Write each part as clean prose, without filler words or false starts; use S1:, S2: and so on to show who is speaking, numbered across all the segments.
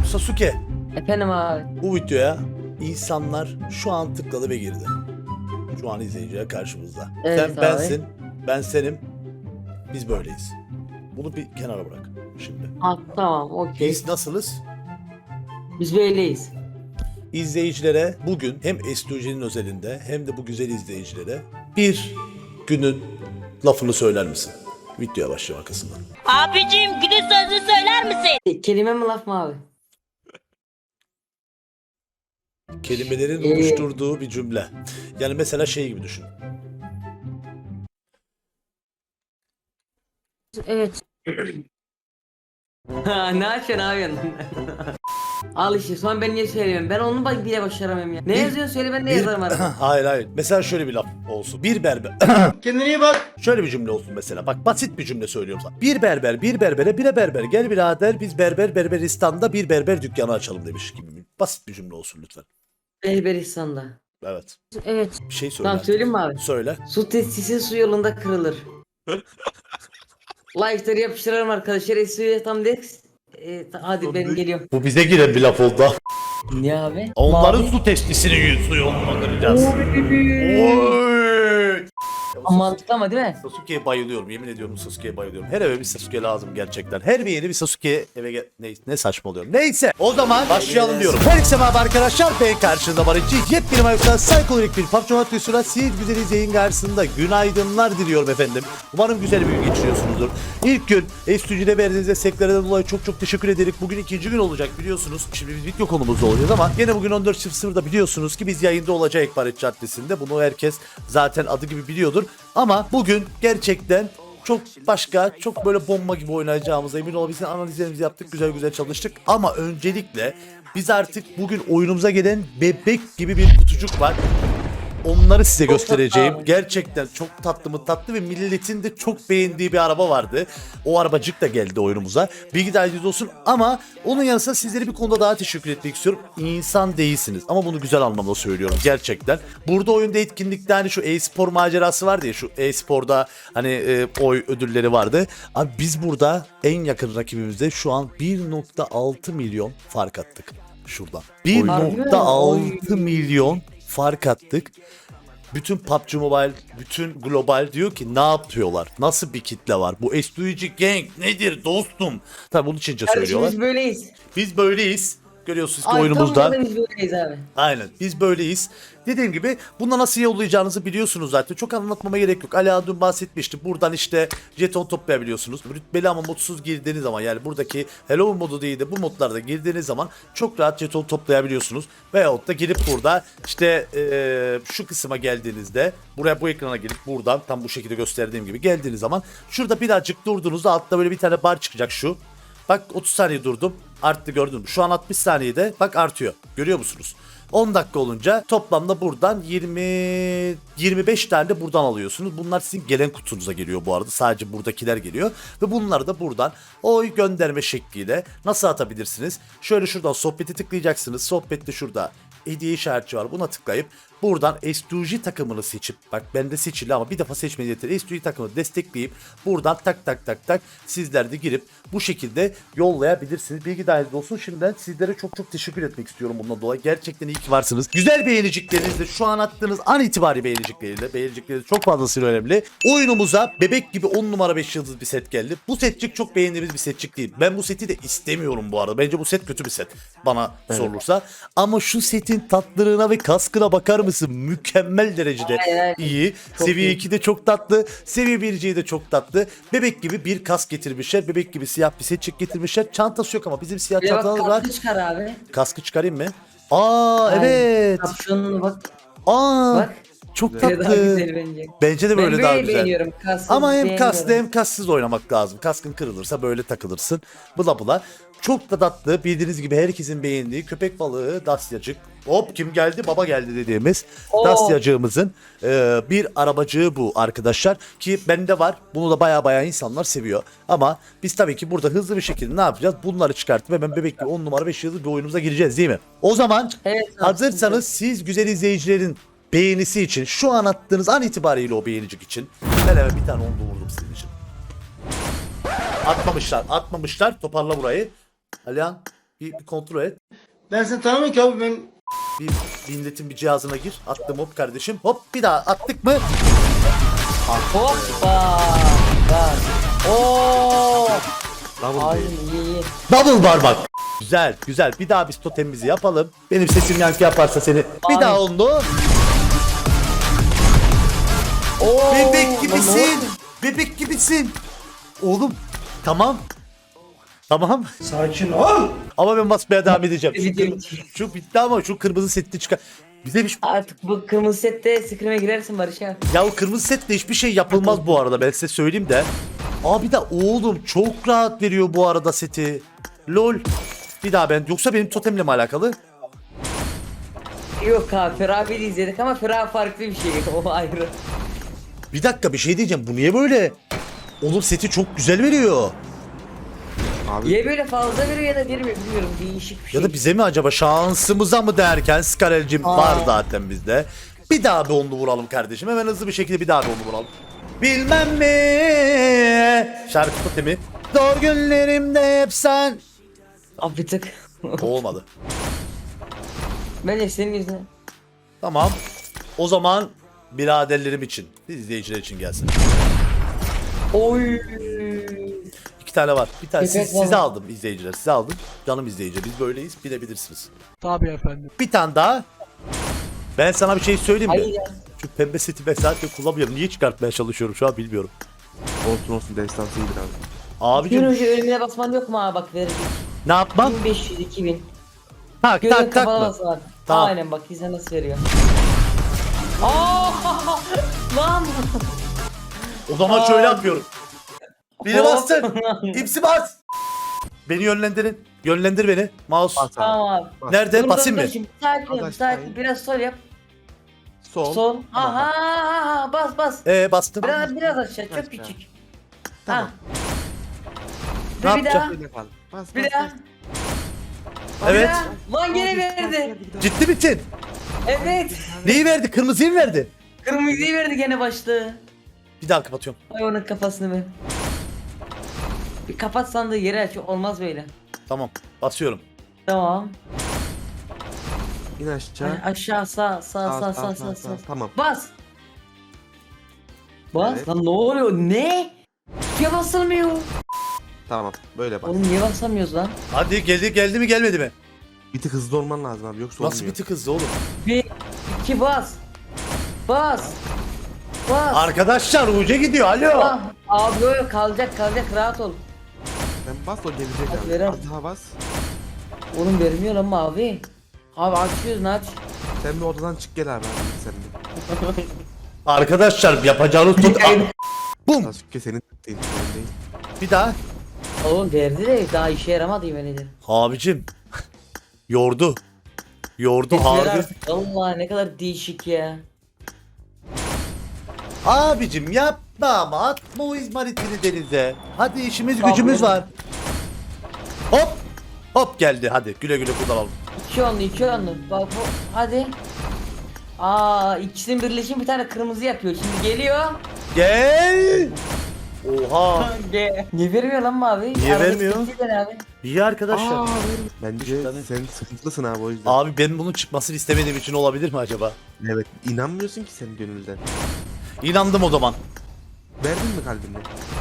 S1: Sasuke,
S2: Efendim abi.
S1: bu videoya insanlar şu an tıkladı ve girdi. Şu an izleyiciler karşımızda.
S2: Evet
S1: Sen
S2: abi.
S1: bensin, ben senim, biz böyleyiz. Bunu bir kenara bırak şimdi.
S2: Ha, tamam okey.
S1: Biz nasılız?
S2: Biz böyleyiz.
S1: İzleyicilere bugün hem Estuji'nin özelinde hem de bu güzel izleyicilere bir günün lafını söyler misin? Videoya başlayalım arkasından.
S3: Abicim günün sözünü söyler misin?
S2: Kelime mi laf mı abi?
S1: Kelimelerin oluşturduğu bir cümle. Yani mesela şey gibi düşün.
S2: Evet. Ne açıyorsun abi? Al işte son ben niye söylemiyorum? Ben onu bak bile başaramıyorum ya. Ne yazıyorsun söyle ben de yazarım arada.
S1: Hayır. Mesela şöyle bir laf olsun. Bir berber. Kendine iyi bak. Şöyle bir cümle olsun mesela. Bak basit bir cümle söylüyorum sana. Bir berber bir berbere bire berber. Gel birader biz Berberistan'da bir berber dükkanı açalım demiş gibi. Basit bir cümle olsun lütfen.
S2: Berberistan'da.
S1: Evet.
S2: Evet.
S1: Bir şey söyle.
S2: Tamam
S1: artık.
S2: söyleyeyim mi abi?
S1: Söyle.
S2: Su testisi su yolunda kırılır. Like'ları yapıştıralım arkadaşlar. Esu'ya tam deks. Hadi ben geliyorum.
S1: Bu bize giren bir laf oldu.
S2: Ne abi?
S1: Onların
S2: Mavi.
S1: su testisini su yoluna kıracağız. Oy.
S2: Mantıklı ama değil mi?
S1: Sasuke'ye bayılıyorum. Yemin ediyorum Sasuke'ye bayılıyorum. Her eve bir Sasuke lazım gerçekten. Her bir yeni bir Sasuke eve ne saçmalıyorum. Neyse o zaman başlayalım diyorum. Herkese merhaba arkadaşlar. Ben karşınızda Barışçı. Yepyeni Mayok'tan psikolojik bir PUBG Mobile videosuyla siz güzeliz yayın karşısında günaydınlar diliyorum efendim. Umarım güzel bir gün geçiriyorsunuzdur. İlk gün Estücü'de verdiğiniz desteklerden dolayı çok teşekkür ederim. Bugün ikinci gün olacak biliyorsunuz. Şimdi biz video konumuzda olacağız ama gene bugün 14.00'da biliyorsunuz ki biz yayında olacağız Barış Caddesi'nde. Bunu herkes zaten adı gibi biliyordur. Ama bugün gerçekten çok başka, çok böyle bomba gibi oynayacağımıza emin olabilirsin. Analizlerimizi yaptık, güzel çalıştık. Ama öncelikle biz artık bugün oyunumuza gelen bebek gibi bir kutucuk var. Onları size göstereceğim. Gerçekten çok tatlı ve milletin de çok beğendiği bir araba vardı. O arabacık da geldi oyunumuza. Bilgi dahiliniz olsun ama onun yanı sıra sizlere bir konuda daha teşekkür etmek istiyorum. İnsan değilsiniz ama bunu güzel anlamda söylüyorum gerçekten. Burada oyunda etkinlikte hani şu e-spor macerası vardı ya, şu e-sporda hani oy ödülleri vardı. Abi biz burada en yakın rakibimizde şu an 1.6 milyon fark attık şuradan. 1.6 milyon fark attık. Bütün PUBG Mobile, bütün global diyor ki ne yapıyorlar? Nasıl bir kitle var? Bu Estuici Gang nedir dostum? Tabii bunun için söylüyorlar.
S2: Biz böyleyiz.
S1: Biz böyleyiz. Görüyorsunuz ki
S2: Ay,
S1: oyunumuzda.
S2: tam biz böyleyiz abi.
S1: Aynen biz böyleyiz. Dediğim gibi bunda nasıl yollayacağınızı biliyorsunuz zaten. Çok anlatmama gerek yok. Ali dün bahsetmişti. Buradan işte jeton toplayabiliyorsunuz. Rütbeli ama modsuz girdiğiniz zaman, yani buradaki Hello modu değil de bu modlarda girdiğiniz zaman çok rahat jeton toplayabiliyorsunuz. Veyahut da girip burada işte şu kısma geldiğinizde, buraya bu ekrana girip buradan tam bu şekilde gösterdiğim gibi geldiğiniz zaman şurada birazcık durduğunuzda altta böyle bir tane bar çıkacak şu. Bak 30 saniye durdum. Arttı, gördün mü? Şu an 60 saniyede bak artıyor. Görüyor musunuz? 10 dakika olunca toplamda buradan 25 tane de buradan alıyorsunuz. Bunlar sizin gelen kutunuza geliyor bu arada. Sadece buradakiler geliyor. Ve bunları da buradan oy gönderme şekliyle nasıl atabilirsiniz? Şöyle şuradan sohbeti tıklayacaksınız. Sohbette şurada hediye işareti var. Buna tıklayıp buradan S2G takımını seçip, bak bende seçili ama bir defa seçmeniz yeter. S2G takımını destekleyip buradan tak sizler de girip bu şekilde yollayabilirsiniz. Bilgi dahilinde olsun. Şimdiden sizlere çok teşekkür etmek istiyorum bundan dolayı. Gerçekten iyi ki varsınız. Güzel beğeniciklerinizle, şu an attığınız an itibari beğeniciklerinizle çok fazlasıyla önemli. Oyunumuza bebek gibi 10 numara 5 yıldız bir set geldi. Bu setçik çok beğendiğimiz bir setçik değil. Ben bu seti de istemiyorum bu arada. Bence bu set kötü bir set bana sorulursa. Ama şu setin tatlılığına ve kaskına bakar mısın? Mükemmel derecede iyi.
S2: Çok
S1: Seviye
S2: iyi.
S1: 2'de çok tatlı. Seviye 1'ciyi de çok tatlı. Bebek gibi bir kask getirmişler. Bebek gibi siyah bir setçik getirmişler. Çantası yok ama bizim siyah
S2: Bir de bak
S1: çantamız var.
S2: kaskı çıkar abi.
S1: Kaskı çıkarayım mı? Aa
S2: Aynen.
S1: evet.
S2: Kapşonuna bak.
S1: Aa
S2: Bak.
S1: çok
S2: Böyle daha
S1: tatlı.
S2: güzel bence.
S1: Bence de böyle
S2: Ben
S1: daha
S2: böyle
S1: güzel.
S2: beğeniyorum. Kasksız
S1: Ama hem kaslı
S2: beğenmiyorum.
S1: hem kassız oynamak lazım. Kaskın kırılırsa böyle takılırsın. Bula. Çok da tatlı. Bildiğiniz gibi herkesin beğendiği köpek balığı Dasyacık. Hop kim geldi? Baba geldi dediğimiz
S2: Oo.
S1: Dasyacığımızın bir arabacığı bu arkadaşlar. Ki bende var. Bunu da baya insanlar seviyor. Ama biz tabii ki burada hızlı bir şekilde ne yapacağız? Bunları çıkartıp hemen bebek gibi 10 numara 5 yıldız bir oyunumuza gireceğiz değil mi? O zaman
S2: Evet,
S1: hazırsanız siz güzel izleyicilerin beğenisi için, şu an attığınız an itibariyle o beğenicik için ben hemen bir tane onda vurdum sizin için. Atmamışlar. Toparla burayı. Alihan Bir kontrol et.
S4: Ben seni tanımıyorum ki abi ben.
S1: Bir milletin bir cihazına gir. Attım hop kardeşim. Hop bir daha attık mı?
S2: Hoppa. Bak. Oo.
S5: Double
S2: Ay
S5: değil.
S2: iyi.
S1: Double bar bak. Güzel güzel. Bir daha biz totemimizi yapalım. Benim sesim yankı yaparsa seni. Bir
S2: Ay.
S1: daha onu.
S2: Oo.
S1: Bebek gibisin. Bebek gibisin. Oğlum tamam. Tamam.
S4: Sakin ol.
S1: Ama ben basmaya devam edeceğim.
S2: Video
S1: Şu bitti ama şu kırmızı setli çıkar. Bize bir
S2: Artık bu kırmızı sette scrim'e girersin Barış abi.
S1: ya o kırmızı setle hiçbir şey yapılmaz bu arada, ben size söyleyeyim de. Abi de oğlum çok rahat veriyor bu arada seti. Lol. Bir daha ben, yoksa benim totemle mi alakalı?
S2: Yok abi Ferah abiyi de izledik ama Ferah farklı bir şey. O ayrı.
S1: Bir dakika bir şey diyeceğim, bu niye böyle? Oğlum seti çok güzel veriyor.
S5: Abi
S2: Ya böyle fazla veriyor ya da vermiyor bilmiyorum değişik bir şey.
S1: Ya da bize mi acaba, şansımıza mı derken Skarel'cim var
S2: Aa.
S1: zaten bizde. Bir daha bir onlu vuralım kardeşim, hemen hızlı bir şekilde bir daha bir onlu vuralım. Bilmem mi şarkı totemi. Zor günlerimde hep sen.
S2: Abi bir tık.
S1: Olmadı.
S2: Bence senin yüzünden.
S1: Tamam. O zaman biraderlerim için, izleyiciler için gelsin.
S2: Oy.
S1: İki tane var. Bir tane
S2: Evet,
S1: size
S2: var.
S1: aldım izleyiciler. Size aldım. Canım izleyici. Biz böyleyiz. Bilebilirsiniz.
S6: Tabii efendim.
S1: Bir tane daha. Ben sana bir şey söyleyeyim mi?
S2: Hayır ya.
S1: Şu pembe seti ben zaten kullanmıyorum. Niye çıkartmaya çalışıyorum şu an bilmiyorum.
S5: olsun olsun destansı iyidir abi.
S2: Gün
S1: Abicim
S2: önce ölümüne basman yok mu abi bak verecek.
S1: ne yapmam?
S2: 1500 2000.
S1: Tak
S2: Gözün
S1: tak tak
S2: kapalı
S1: mı?
S2: bas abi.
S1: Tamam.
S2: Aynen bak izle nasıl veriyor. Aa! Lan!
S1: O zaman
S2: Aa.
S1: şöyle yapıyorum. Biri
S2: Hop.
S1: bastın. İpsi bas. Beni yönlendirin. Yönlendir beni. Mouse.
S5: Bas abi.
S2: Tamam abi.
S1: Nerede?
S2: Dur,
S1: Basayım
S2: dur,
S1: mı?
S2: dur şimdi. Sakin ol,
S5: Arkadaş,
S2: sakin.
S5: hayır.
S2: Biraz sol yap.
S5: Sol.
S2: Sol.
S5: Tamam, bak.
S2: Aha, bas bas.
S1: Bastım.
S2: Biraz aşağı, çok
S5: Aşağı.
S2: küçük.
S5: Tamam.
S2: Ha.
S1: Ne
S2: Ve bir daha.
S1: yapacağım?
S5: Öyle kal. Bas
S2: Bir
S5: bas
S2: daha.
S5: bas.
S1: Evet.
S2: Bir daha. Lan gene verdi.
S1: Ciddi misin?
S2: Evet.
S1: Neyi verdi? Kırmızıyı mı verdi?
S2: Kırmızıyı verdi gene başlığı.
S1: Bir daha kapatıyorum.
S2: Ay onun kafasını bir. Bir kapat sandığı yere aç. Olmaz böyle.
S1: Tamam. Basıyorum.
S2: Tamam.
S5: İn aşağı.
S2: Hani aşağı sağ.
S5: Tamam.
S2: Bas. Bas.
S5: Evet.
S2: Lan ne oluyor? Ne? Niye basılmıyor?
S5: Tamam. Böyle bas.
S2: Oğlum niye basamıyoruz lan?
S1: Hadi geldi mi gelmedi mi?
S5: Bir tık hızlı olman lazım abi yoksa
S1: Nasıl
S5: olmuyor.
S1: bir tık hızlı oğlum?
S2: 1 2 bas. Bas. Bas.
S1: Arkadaşlar uca gidiyor, alo.
S2: Ah, abi öyle kalacak rahat ol.
S5: Sen bas o gelecek
S2: Hadi
S5: abi.
S2: verem.
S5: Az daha bas.
S2: Oğlum vermiyor lan mavi. Abi açıyorsun aç.
S5: Sen bir odadan çık gel abi. Hadi sen de.
S1: Arkadaşlar yapacağınız tut. Bum.
S5: Sasuke senin değil. Senin değil.
S1: Bir daha.
S2: Oğlum verdi de daha işe yaramadı yemin ederim.
S1: Abicim. Yordu. Yordu
S2: Ver
S1: harbi.
S2: artık. Allah ne kadar değişik ya.
S1: Abicim yapma ama atma o izmaritini denize. Hadi işimiz
S2: Tamam,
S1: gücümüz
S2: oğlum.
S1: var. Hop. Hop geldi, hadi güle güle kullanalım.
S2: 2 onlu. Bak bu hadi. Aa ikisinin birleşimi bir tane kırmızı yapıyor. Şimdi geliyor.
S1: Gel. Oha.
S2: Niye vermiyor lan mavi?
S1: Niye
S2: Aradaki
S1: vermiyor?
S2: tepki ne abi?
S1: İyi arkadaşlar.
S5: Bence
S1: tane.
S5: sen sıkıntılısın abi o yüzden.
S1: Abi ben bunun çıkmasını istemediğim için olabilir mi acaba?
S5: Evet. İnanmıyorsun ki sen gönülden.
S1: İnandım o zaman.
S5: Verdin mi kalbini?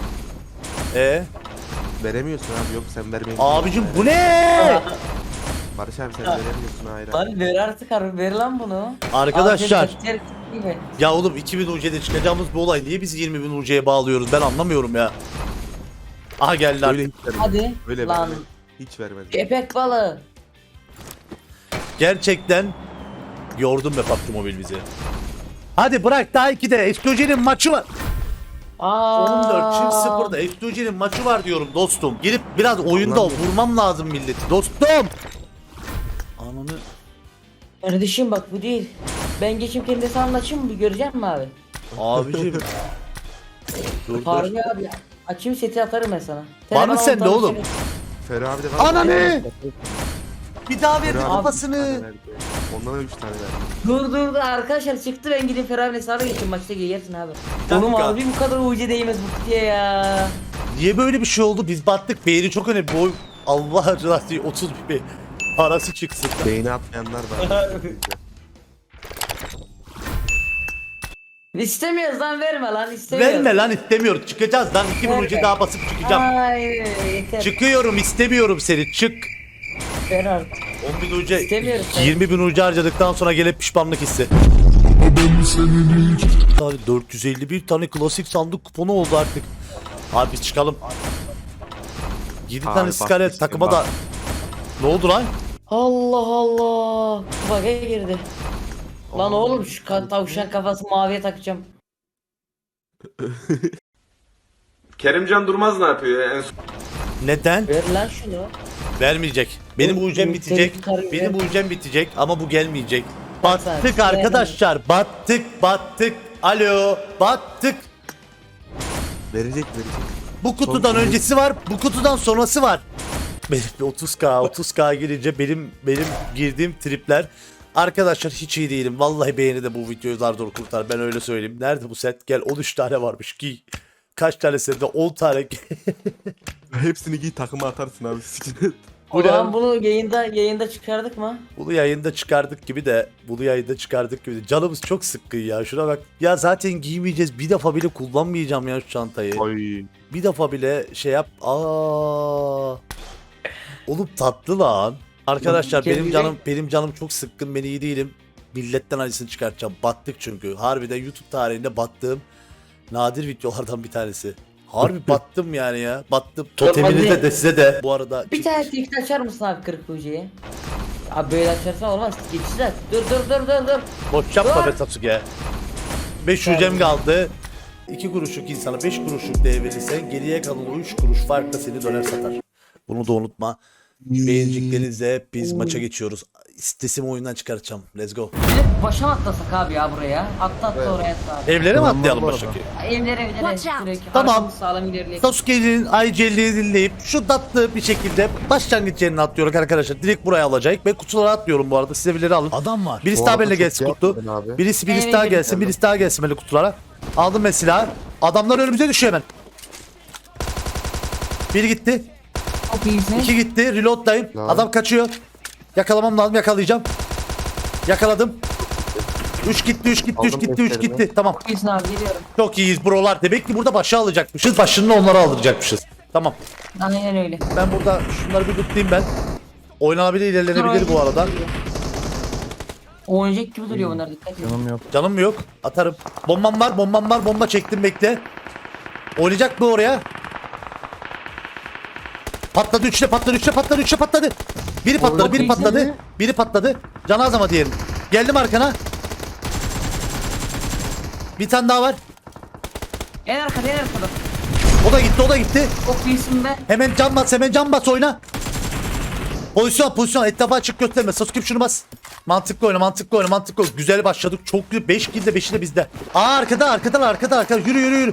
S5: Veremiyorsun abi yok sen vermeyi
S1: Abicim
S5: biliyorsun.
S1: bu ne?
S5: Barış abi sen veremiyorsun hayır abi.
S2: Lan ver artık harbi ver lan bunu.
S1: Arkadaşlar.
S2: Abi, sen gibi.
S1: Ya oğlum 2000 UC'de çıkacağımız bu olay niye biz 20.000 UC'ye bağlıyoruz, ben anlamıyorum ya. Aha geldi
S5: Öyle
S1: artık.
S5: hiç vermedi.
S2: Hadi.
S5: Öyle
S2: lan.
S5: vermedi. Hiç vermedi.
S2: Köpek balığı.
S1: Gerçekten yordun be PUBG Mobile bizi. Hadi bırak, daha 2'de Explosion'in maçı var. 14 çift 0'da Explosion'in maçı var diyorum dostum. Girip biraz oyunda
S5: Ulan.
S1: vurmam lazım milleti dostum. Ananı.
S2: Kardeşim bak bu değil. Ben geçim kendi hesabımla açayım mı bir görecek mi abi?
S1: Abicim. Dur dur.
S2: Harbi abi. Açayım seti atarım ben sana.
S1: Var mı
S2: Telefon
S1: sende
S2: alalım,
S1: oğlum?
S2: seni.
S5: Ferah abi de var.
S1: Ananı. Bir daha verdi
S5: Ferah abi
S1: kafasını.
S5: üç tane verdi. Ondan da 3 tane verdi.
S2: Dur arkadaşlar çıktı ben gidip Ferah'ın hesabına geçeyim maçta gelirsin abi.
S1: dakika.
S2: Oğlum abi bu kadar ucu değmez bu kutuya ya.
S1: Niye böyle bir şey oldu? Biz battık. Beğeni çok önemli. Bu Allah rızası için 30 bir parası çıksın.
S5: Beyni atmayanlar var.
S2: İstemiyoruz lan, verme lan, istemiyoruz.
S1: Verme lan, istemiyorum. Çıkacağız lan. 2 bin
S2: Verme.
S1: ucu daha basıp çıkacağım.
S2: Hayır yeter.
S1: Çıkıyorum, istemiyorum seni. Çık.
S2: Ver artık.
S1: 10 bin ucu,
S2: İstemiyoruz.
S1: 20 bin ucu harcadıktan sonra gelip pişmanlık hissi. Abi 451 tane klasik sandık kuponu oldu artık. Abi biz çıkalım. 7
S5: Abi
S1: tane
S5: bak
S1: skalet
S5: işte,
S1: takıma
S5: bak.
S1: da. Ne oldu lan?
S2: Allah Allah. Bug'a girdi. Lan oğlum şu tavşan kafası maviye takacağım.
S6: Kerimcan Durmaz ne yapıyor ya en son?
S1: Neden?
S2: Ver lan şunu.
S1: Vermeyecek. Benim
S2: Oğlum,
S1: UC'm bitecek.
S2: yukarı
S1: Benim
S2: ver.
S1: UC'm bitecek ama bu gelmeyecek.
S2: Lütfen,
S1: Battık arkadaşlar. Battık. Alo. Battık.
S5: Verecek.
S1: Bu kutudan
S5: Son-
S1: öncesi var. Bu kutudan sonrası var. Benim 30k girince benim girdiğim tripler. Arkadaşlar hiç iyi değilim. Vallahi beğeni de bu videoyu zar zor kurtar. Ben öyle söyleyeyim. Nerede bu set? Gel 13 tane varmış ki. Kaç tane sende? 10 tane.
S5: Hepsini giy takıma atarsın abi. siktir.
S2: O zaman bunu yayında çıkardık mı?
S1: Bunu yayında çıkardık gibi de. Canımız çok sıkkın ya. Şuna bak. Ya zaten giymeyeceğiz. Bir defa bile kullanmayacağım ya şu çantayı.
S5: Ay.
S1: Bir defa bile şey yap. Oğlum tatlı lan. Arkadaşlar benim canım çok sıkkın. Ben iyi değilim. Milletten acısını çıkartacağım. Battık çünkü. Harbiden YouTube tarihinde battığım nadir videolardan bir tanesi. Harbi battım yani ya. Battım. Totemini de size de. Bu arada
S2: Bir tane tweet açar mısın abi 40 UC'ye? Abi böyle açarsan olmaz. Geçeceğiz artık. Dur.
S1: boş yapma
S2: Dur.
S1: be Sasuke. 5 hücrem kaldı. 2 kuruşluk insana 5 kuruşluk değer verirsen geriye kalan o 3 kuruş farkla seni döner satar. Bunu da unutma. Beğeneceklerinizle biz maça geçiyoruz. İstesimi oyundan çıkartacağım. Let's go.
S2: Bir de başa mı atlasak abi ya buraya? Atla oraya atla abi.
S1: Evlere mi
S5: Tamam,
S1: atlayalım
S5: var
S1: baştaki?
S2: Evlere.
S3: Watch out.
S2: Direkt
S1: Tamam.
S2: arkamız sağlam ilerleyelim.
S1: Sasuke'nin ICL'ini dinleyip şu tatlı bir şekilde başlangıç yerine atlıyoruz arkadaşlar. Direkt buraya alacak. Ben kutulara atlıyorum bu arada. Size birileri alın. Adam var. Birisi
S5: Bu
S1: daha
S5: arada
S1: benimle
S5: çok
S1: gelsin
S5: iyi
S1: kutu.
S5: yaptın abi.
S1: Birisi
S2: Evet,
S1: daha
S2: evet,
S1: gelsin.
S5: evet.
S1: Birisi daha gelsin böyle kutulara. Aldım mesela. Adamlar önümüze düşüyor hemen. Biri gitti.
S2: Çok iyisin.
S1: 2 gitti. Reload'dayım.
S5: Lan.
S1: Adam kaçıyor. Yakalamam lazım. Yakalayacağım. Yakaladım. 3 gitti.
S5: Aldım defterini.
S1: Tamam.
S2: Çok iyisin abi geliyorum.
S1: Çok iyiyiz brolar. Demek ki burada başa alacakmışız. Başını onlara aldıracakmışız. Tamam.
S2: Aynen öyle.
S1: Ben burada şunları bir tutayım ben. Oynanabilir, ilerlenebilir bu arada.
S2: Oynayacak gibi duruyor bunlar, dikkat edin.
S1: Canım mı yok? Atarım. Bombam var. Bomba çektim, bekle. Oynayacak mı oraya? Patladı, üçle patladı. Biri patladı. Can az ama diyelim. Geldim arkana. Bir tane daha var.
S2: En arkada.
S1: O da gitti.
S2: Çok iyisin be.
S1: Hemen can bas oyna. Pozisyon etrafa açık gösterme. Sasuke şunu bas. Mantıklı oyna. Güzel başladık. Çok güzel. 5 kill de 5'i de bizde. Arkada. Yürü.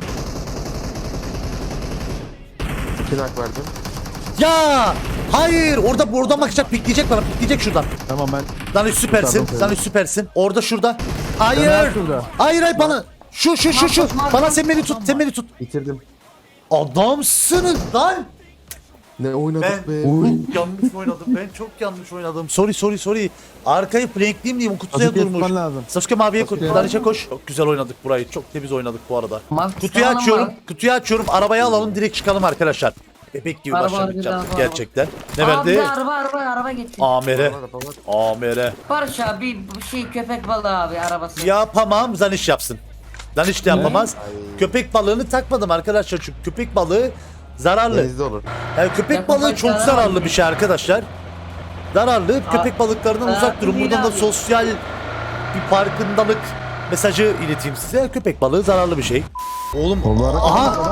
S5: 2 nak verdim.
S1: Ya! Hayır! Oradan bakacak, pikleyecek şuradan.
S7: Tamam ben.
S1: Lan süpersin. Orada şurada. Hayır!
S7: Caner şurada.
S1: Hayır bana. Şu. Bana sen beni tut.
S5: Bitirdim.
S1: Adamsınız lan.
S5: Ne oynadık be.
S1: Ben çok yanlış oynadım. Sorry. Arkayı flankleyeyim diyeyim, o kutuya
S7: Sasuke
S1: durmuş.
S7: tutman lazım.
S1: Sasuke maviye koş.
S7: Sasuke.
S1: Danışa koş. Çok güzel oynadık burayı. Çok temiz oynadık bu arada.
S2: Mavi
S1: Kutuyu açıyorum. Arabayı alalım, direkt çıkalım arkadaşlar. Bebek gibi
S2: Araba,
S1: başladık
S2: araba.
S1: gerçekten. Ne
S2: Abi
S1: verdi?
S2: araba getir.
S1: Amere.
S5: Araba var.
S1: Amere.
S2: Barış abi bir şey köpek balığı abi arabası.
S1: Yapamam, Zaniş yapsın. Zaniş de yapamaz. Köpek balığını takmadım arkadaşlar, çünkü köpek balığı zararlı.
S5: Denizde olur.
S1: Yani köpek
S2: Yapamaz,
S1: balığı çok
S2: zararlı.
S1: zararlı bir şey arkadaşlar. Zararlı. Köpek balıklarından
S2: zararlı
S1: uzak durun.
S2: değil
S1: Buradan da
S2: abi.
S1: sosyal bir farkındalık mesajı ileteyim size. Köpek balığı zararlı bir şey. Oğlum. Aha.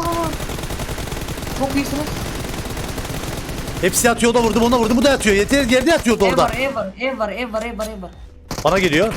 S2: Çok iyisiniz.
S1: Hepsi yatıyor, o da vurdum, ona vurdum, bu da yatıyor. Yerde yatıyordu
S2: Ev
S1: orada.
S2: var. Ev var.
S1: Bana geliyor.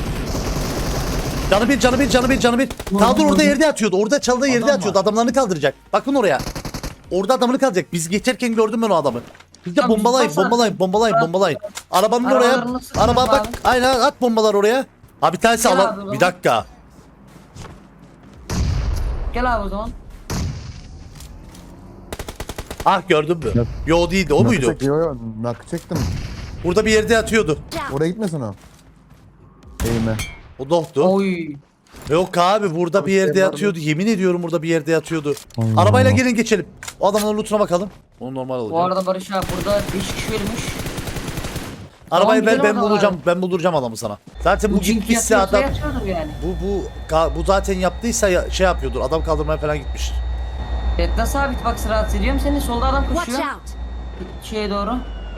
S1: Canı bir. Ta dur, orada yerde yatıyordu. Orada çaldığı yerde yatıyordu. Adamlarını kaldıracak. Bakın oraya. Orada adamını kaldıracak. Biz geçerken gördüm ben o adamı. Biz de
S2: Tamam,
S1: bombalayın. Arabanın oraya.
S2: Arabalarını sıkın
S1: Araba
S2: abi.
S1: bak. Aynen, at bombalar oraya. Abi bir tanesi
S2: Gel abi o
S1: alan.
S2: zaman.
S1: Bir dakika.
S2: Gel abi o zaman.
S1: Ah gördün mü?
S7: Yok.
S1: Yo değildi o muydu?
S7: Yo, nakı çektim.
S1: Burada bir yerde yatıyordu.
S7: Oraya gitmesin o. Eğime.
S1: O doktu.
S2: Oy.
S1: Yok abi burada bir yerde yatıyordu. Yemin ediyorum burada bir yerde yatıyordu. Arabayla gelin geçelim. O adamın lootuna bakalım. Onu normal
S2: Bu
S1: alacağım.
S2: arada Barış abi burada 5 kişi ölmüş.
S1: Arabayı
S2: Tamam,
S1: ben
S2: gidelim o
S1: bulacağım.
S2: zaman.
S1: Ben bulduracağım adamı sana. Zaten bu
S2: Çünkü
S1: gitmişse
S2: yatıyorsa
S1: adam
S2: yatıyordur yani.
S1: bu zaten yaptıysa şey yapıyordur. Adam kaldırmaya falan gitmiş.
S2: Evet nasıl sabit bak rahatsız ediyorum seni solda adam
S3: Watch
S2: koşuyor.
S3: out!
S2: Şeye doğru.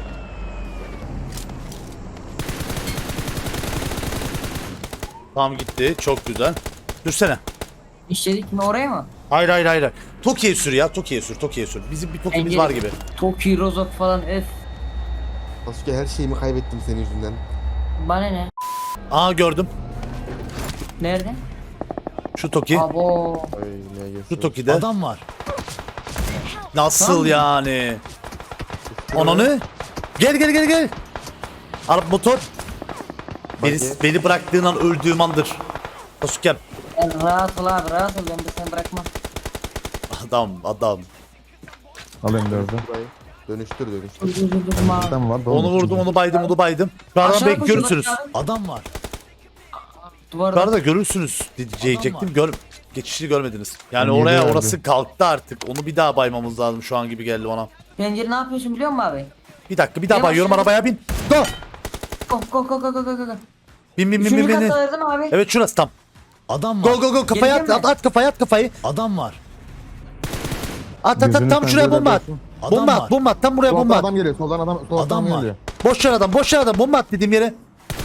S1: Tamam gitti. Çok güzel. Sürsene.
S2: İşledik mi oraya mı?
S1: Hayır hayır hayır. Toki'ye sür ya. Toki'ye sür. Toki'ye sür. Bizim bir Toki'miz
S2: Engel-
S1: var gibi.
S2: Toki, Rozok falan öf.
S5: Sasuke her şeyimi kaybettim senin yüzünden.
S2: Bana ne?
S1: Aa gördüm.
S2: Nerede?
S1: Şu Toki.
S2: Abo.
S5: Ay ne
S1: Şu
S5: geçiyor.
S1: Toki'de. Adam var. Nasıl
S2: Tamam.
S1: yani? Ananı? Gel gel gel gel. Arap motor. Beni bıraktığın an öldüğüm andır. Sasuke.
S2: Yani rahat ol abi rahat ol ben de seni bırakmam.
S1: Adam.
S7: Alayım dördü.
S5: Burayı. Dönüştür.
S2: Dur abi.
S7: Tam var.
S1: Onu vurdum, onu baydım. Şu arada
S2: Aşağı
S1: görürsünüz.
S2: koşun,
S1: Adam var. Şu
S2: Duvarda.
S1: arada görürsünüz diyecektim. Geçişi görmediniz. Yani
S7: Yedi
S1: oraya
S7: verdi.
S1: orası kalktı artık. Onu bir daha baymamız lazım şu an gibi geldi bana.
S2: Pencere ne yapıyorsun biliyor musun abi?
S1: Bir dakika bir daha
S2: Yavaş
S1: bayıyorum
S2: yavaş.
S1: arabaya bin. Go.
S2: Go.
S1: Bin.
S2: Üçüncü katta verdim abi.
S1: Evet şurası tam. Adam var. Go kafaya
S2: Gelecek mi?
S1: at kafayı. Adam var. At
S7: Gözünü
S1: tam şuraya bomba at.
S7: pencereden
S1: Bomba at tam buraya
S7: Soldan
S1: bomba at.
S7: adam geliyor. Soldan adam geliyor.
S1: Boş yer adam bomba at dediğim yere.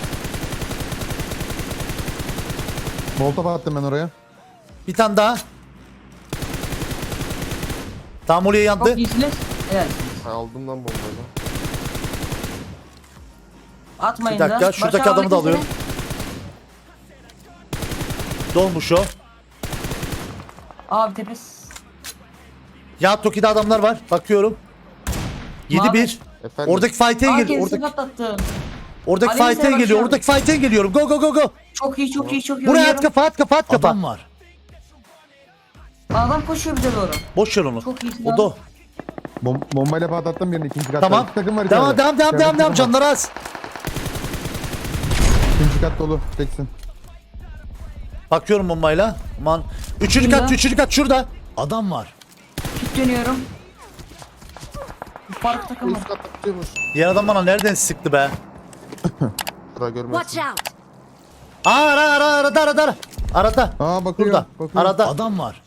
S7: Molotof attım ben oraya.
S1: Bir tane daha. Tam oraya yandı.
S2: Çok iyisiniz. Evet.
S5: Aldım lan bombayı.
S2: Atmayın
S1: Bir dakika,
S2: da.
S1: şuradaki
S2: Başa
S1: adamı da
S2: alın
S1: alıyorum. Dolmuş o.
S2: Abi tepes.
S1: Ya Toki'de adamlar var. Bakıyorum. 7-1.
S5: Efendim.
S1: Oradaki fight'e
S2: Aa
S1: gel.
S2: kendisi patlattı.
S1: Oradaki
S2: Aleyhisselam
S1: fight'e geliyor.
S2: başlayalım.
S1: Oradaki fight'e geliyorum. Go.
S2: Çok iyi
S1: Buraya
S2: oynuyorum.
S1: at kafa. Adam var.
S2: Adam koşuyor bize doğru.
S1: Boş ver onu.
S2: Çok iyisin
S1: O
S2: abi.
S1: da.
S7: Bombayla patlattım birini. İkinci katta.
S1: Tamam.
S7: İki takım var
S1: Devam
S7: içeride. İçeride iki takım var.
S1: canları az.
S7: İkinci kat dolu. Teksin.
S1: Bakıyorum bombayla. Aman. Üçüncü kat şurada. Adam var.
S2: Tut dönüyorum. Fark takımı.
S5: Üst katta tutuyormuş.
S1: Diğer adam bana nereden sıktı be?
S5: Sıra görmezsin.
S3: Watch out!
S1: Arada.
S7: Aa bakıyor.
S1: Burada.
S7: Bakıyor.
S1: Arada. Adam var.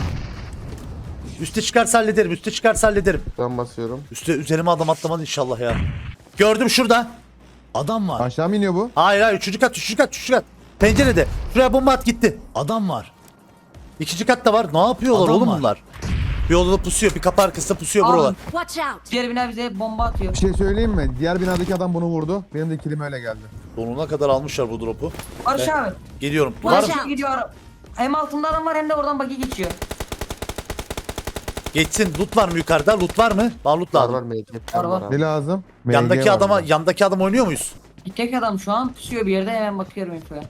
S1: Üste çıkarsa hallederim.
S5: Ben basıyorum.
S1: Üzerime adam atlamadı inşallah ya. Gördüm şurada. Adam var.
S7: Aşağı mı iniyor bu?
S1: Hayır. Üçüncü kat. Pencerede. Şuraya bomba at gitti. Adam var. İkinci katta var. Ne yapıyorlar oğlum bunlar? Bir odada pusuyor. Bir kapı arkasında pusuyor
S2: Alın.
S1: buralar.
S3: Watch out!
S2: Diğer bina bize bomba atıyor.
S7: Bir şey söyleyeyim mi? Diğer binadaki adam bunu vurdu. Benim de kilim öyle geldi.
S1: Sonuna kadar almışlar bu drop'u.
S2: Barış abi.
S1: Geliyorum. Var
S2: Barış
S1: mı?
S2: abi gidiyor. Hem altında adam var hem de oradan bagi geçiyor.
S1: Geçsin. Loot var mı yukarıda? Loot var mı? Bana loot
S5: Var
S1: lazım.
S5: var MG.
S2: Var, var.
S7: Ne lazım? MG
S1: Yandaki
S7: var
S1: adama,
S7: burada.
S1: yandaki adam oynuyor muyuz?
S2: Bir tek adam şu an pusuyor bir yerde hemen bakıyorum infoya.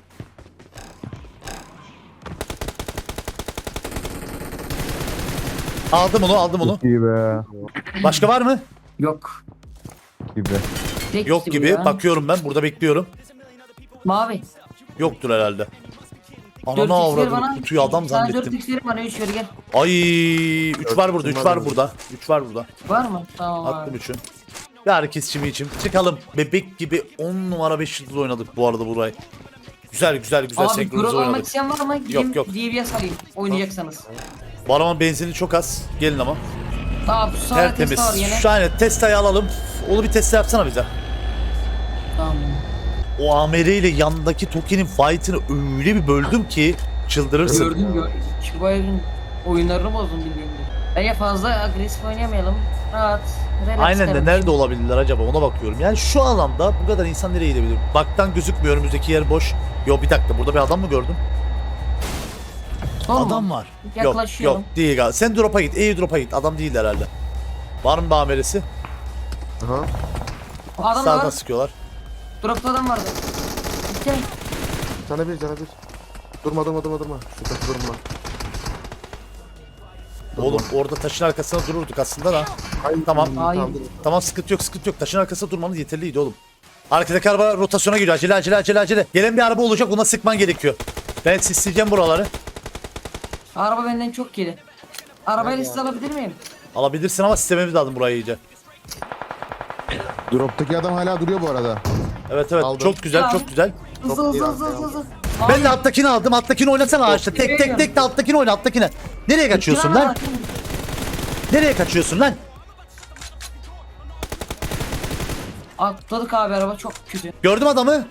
S1: Aldım onu.
S7: Çok iyi be.
S1: Başka var mı?
S2: Yok.
S7: Gibi.
S2: Tek
S1: Yok
S2: kişi bu
S1: gibi.
S2: ya.
S1: Bakıyorum ben. Burada bekliyorum.
S2: Mavi.
S1: Yoktur herhalde.
S2: 4x
S1: Ananı
S2: ver
S1: avradım.
S2: bana.
S1: Kutuyu adam
S2: Sana
S1: zannettim.
S2: 4x verin bana 3 ver gel.
S1: Ay 3 var burada. 3 var burada. 3 var burada.
S2: Var mı? Tamam
S1: Attım
S2: abi.
S1: 3'ü. Bir herkes için. Çıkalım. Bebek gibi 10 numara 5 yıldız oynadık bu arada burayı. Güzel
S2: Abi
S1: senkronize
S2: Grok almak
S1: oynadık.
S2: isteyen var mı? Gideyim
S1: yok.
S2: DBS alayım oynayacaksanız.
S1: Bu arabanın benzini çok az. Gelin ama.
S2: Tamam şu sağda
S1: Tertemiz.
S2: testa var yine.
S1: Şu an testayı alalım. Onu bir test yapsana bize.
S2: Tamam.
S1: O AMR ile yandaki Toki'nin fight'ını öyle bir böldüm ki çıldırırsın.
S2: Gördüm. Şu bu evin oyunlarını bozdum bildiğimde. Bence fazla agresif oynayamayalım. Rahat. Relax
S1: Aynen de
S2: derim.
S1: nerede olabilirler acaba ona bakıyorum. Yani şu alanda bu kadar insan nereye gidebilir? Baktan gözükmüyor, önümüzdeki yer boş. Yo bir dakika, burada bir adam mı gördüm?
S2: Son mu?
S1: Adam var.
S2: Yaklaşıyorum.
S1: Yok değil galiba. Sen drop'a git, drop'a git. Adam değil herhalde. Var mı bir amelesi?
S5: Aha.
S2: Adam da
S1: Sağdan
S2: var.
S1: sıkıyorlar.
S2: Dropta adam vardı. Gel.
S5: Cana bir. Durma. Şu kapı durma.
S1: Oğlum orada taşın arkasında dururduk aslında da. Tamam.
S2: Hayır.
S1: Tamam sıkıntı yok sıkıntı yok. Taşın arkasında durmamız yeterliydi oğlum. Arkadaki araba rotasyona giriyor. Acele. Gelen bir araba olacak, ona sıkman gerekiyor. Ben sisleyeceğim buraları.
S2: Araba benden çok geri. Arabayla siz alabilir miyim?
S1: Alabilirsin ama sistememiz lazım burayı iyice.
S7: Drop'taki adam hala duruyor bu arada.
S1: Evet
S7: Aldım.
S1: çok güzel çok güzel.
S2: Hızlı.
S1: Ben de alttakini aldım. Alttakini oynasana ağaçta. Tek de alttakini oyna alttakine. Nereye kaçıyorsun lan? Nereye kaçıyorsun lan?
S2: Atladık abi, araba çok kötü.
S1: Gördüm adamı.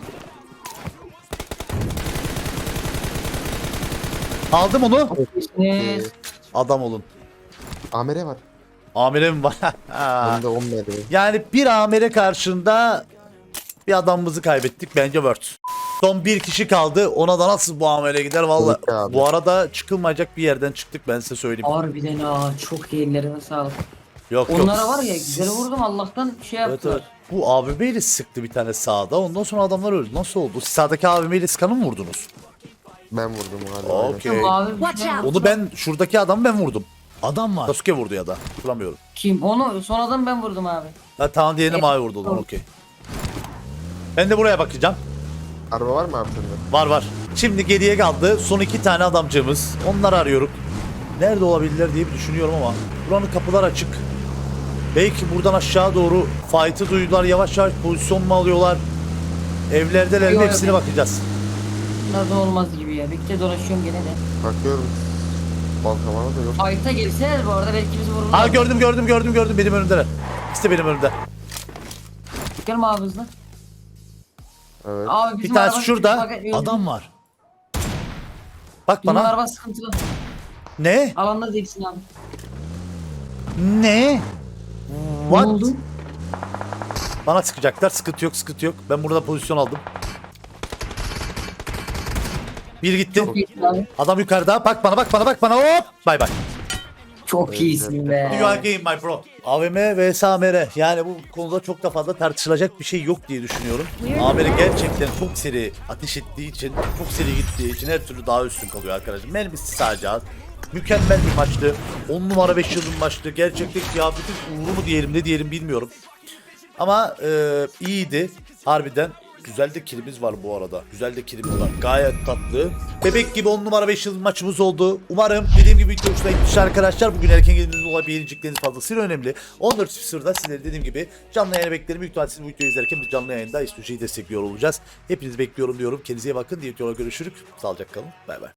S1: Aldım onu. Adam olun.
S5: Amere var.
S1: Amirim var.
S5: Bende 10 mermi.
S1: Yani bir amire karşında bir adamımızı kaybettik. Bence Word. Son bir kişi kaldı. Ona da nasıl bu amire gider valla.
S5: Evet abi.
S1: Bu arada çıkılmayacak bir yerden çıktık, ben size söyleyeyim.
S2: Harbiden ha, çok iyi, ellerine sağlık.
S1: Yok
S2: Onlara var ya, güzel vurdum, Allah'tan şey
S1: Evet
S2: yaptılar.
S1: evet. Bu AVM ile sıktı bir tane sağda. Ondan sonra adamlar öldü. Nasıl oldu? Siz sağdaki AVM ile sıkanı mı vurdunuz?
S5: Ben vurdum galiba.
S1: Okey.
S2: Abi, bir
S3: Watch
S2: şey-
S3: out.
S1: Onu ben şuradaki adamı ben vurdum. Adam var. Sasuke vurdu ya da. Hatırlamıyorum.
S2: Kim? Onu sonradan ben vurdum abi.
S1: Ha, tamam diğerini mavi vurdu o zaman, okey. Ben de buraya bakacağım.
S5: Araba var mı abi sende?
S1: Var. Şimdi geriye kaldı son 2 tane adamcığımız. Onları arıyorum. Nerede olabilirler diye bir düşünüyorum ama. Buranın kapılar açık. Belki buradan aşağı doğru fight'ı duydular. Yavaş yavaş pozisyon mu alıyorlar? Evlerdeler mi?
S2: Yok,
S1: Hepsine
S2: yok.
S1: bakacağız.
S2: Bunlardan olmaz gibi ya. Bekle, dolaşıyorum gene de.
S5: Bakıyorum. Balkamana da yok.
S2: Fight'a girseniz bu arada belki bizi vururlar.
S1: Ha gördüm. Benim önümdeler. İkisi de benim önümde.
S2: Gelme abi hızlı.
S5: Evet.
S2: Abi
S1: Bir
S2: bizim
S1: tanesi
S2: araba-
S1: şurada.
S2: Bak, öldü.
S1: Adam var. Bak
S2: Bizim
S1: bana.
S2: araba sıkıntılı.
S1: Ne?
S2: Alanda değilsin abi.
S1: Ne?
S2: Ne
S1: What?
S2: oldu?
S1: Bana sıkacaklar. Sıkıntı yok. Ben burada pozisyon aldım. Bir gitti.
S2: Çok iyisin abi.
S1: Adam yukarıda. Bak bana. Hop. Bay bay.
S2: Çok iyisin be.
S1: You are game my bro. AVM vs AMR. Yani bu konuda çok da fazla tartışılacak bir şey yok diye düşünüyorum. AMR gerçekten çok seri ateş ettiği için, çok seri gittiği için her türlü daha üstün kalıyor arkadaşlar. Mermisi sadece az. Mükemmel bir maçtı. 10 numara 5 yıldız maçtı. Gerçekten kıyafetin uğru mu diyelim ne diyelim bilmiyorum. Ama iyiydi. Harbiden güzel de kilimiz var bu arada. Gayet tatlı. Bebek gibi 10 numara 5 yıldız maçımız oldu. Umarım dediğim gibi video hoşuna gitmiştir arkadaşlar. Bugün erken geldiğiniz olay beğenecekleriniz fazlasıyla önemli. 14.00'da sizleri dediğim gibi canlı yayına beklerim. Büyük ihtimalle siz bu videoyu izlerken biz canlı yayında İstüce'yi destekliyor olacağız. Hepinizi bekliyorum diyorum. Kendinize iyi bakın. Diğer videoda görüşürük. Sağlıcakla kalın. Bay bay.